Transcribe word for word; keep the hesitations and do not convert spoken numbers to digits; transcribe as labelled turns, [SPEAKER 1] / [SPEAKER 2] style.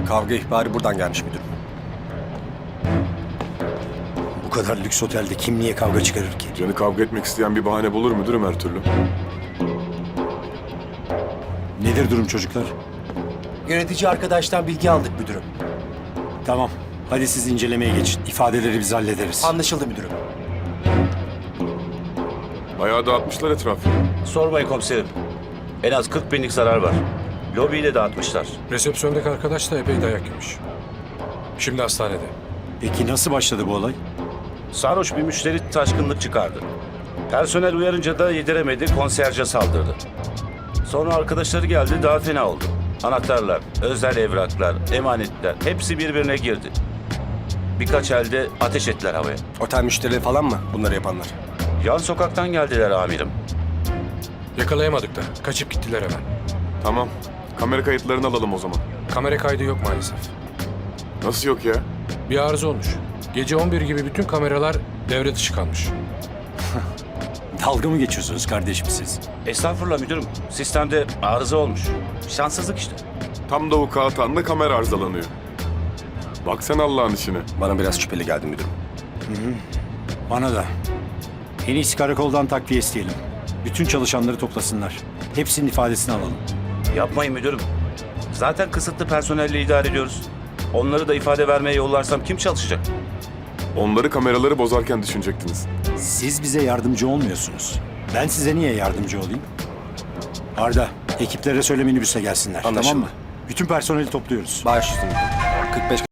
[SPEAKER 1] Kavga ihbarı buradan gelmiş müdürüm.
[SPEAKER 2] Bu kadar lüks otelde kim niye kavga çıkarır ki?
[SPEAKER 3] Canı kavga etmek isteyen bir bahane bulur müdürüm her türlü.
[SPEAKER 2] Nedir durum çocuklar?
[SPEAKER 1] Yönetici arkadaştan bilgi aldık müdürüm.
[SPEAKER 2] Tamam. Hadi siz incelemeye geçin. İfadeleri biz hallederiz.
[SPEAKER 1] Anlaşıldı müdürüm.
[SPEAKER 3] Bayağı dağıtmışlar etrafı.
[SPEAKER 4] Sormayın komiserim. En az kırk binlik zarar var. Lobiyi de dağıtmışlar.
[SPEAKER 5] Resepsiyondaki arkadaş da epey dayak yemiş. Şimdi hastanede.
[SPEAKER 2] Peki nasıl başladı bu olay?
[SPEAKER 4] Sarhoş bir müşteri taşkınlık çıkardı. Personel uyarınca da yediremedi, konsiyerje saldırdı. Sonra arkadaşları geldi, daha fena oldu. Anahtarlar, özel evraklar, emanetler hepsi birbirine girdi. Birkaç elde ateş ettiler havaya.
[SPEAKER 1] Otel müşterileri falan mı bunları yapanlar?
[SPEAKER 4] Yan sokaktan geldiler amirim.
[SPEAKER 5] Yakalayamadık da. Kaçıp gittiler hemen.
[SPEAKER 3] Tamam. Kamera kayıtlarını alalım o zaman.
[SPEAKER 5] Kamera kaydı yok maalesef.
[SPEAKER 3] Nasıl yok ya?
[SPEAKER 5] Bir arıza olmuş. Gece on bir gibi bütün kameralar devre dışı kalmış.
[SPEAKER 2] Dalga mı geçiyorsunuz kardeşim siz?
[SPEAKER 4] Estağfurullah müdürüm. Sistemde arıza olmuş. Şanssızlık işte.
[SPEAKER 3] Tam da vukuatanda kamera arızalanıyor. Bak sen Allah'ın işine.
[SPEAKER 1] Bana biraz şüpheli geldi müdürüm.
[SPEAKER 2] Bana da. En iyisi karakoldan takviye isteyelim. Bütün çalışanları toplasınlar. Hepsinin ifadesini alalım.
[SPEAKER 4] Yapmayın müdürüm. Zaten kısıtlı personelle idare ediyoruz. Onları da ifade vermeye yollarsam kim çalışacak?
[SPEAKER 3] Onları kameraları bozarken düşünecektiniz.
[SPEAKER 2] Siz bize yardımcı olmuyorsunuz. Ben size niye yardımcı olayım? Arda, ekiplere söyle minibüse gelsinler.
[SPEAKER 1] Anlaşıldı.
[SPEAKER 2] Tamam mı? Bütün personeli topluyoruz.
[SPEAKER 1] Baş üstüne. kırk beş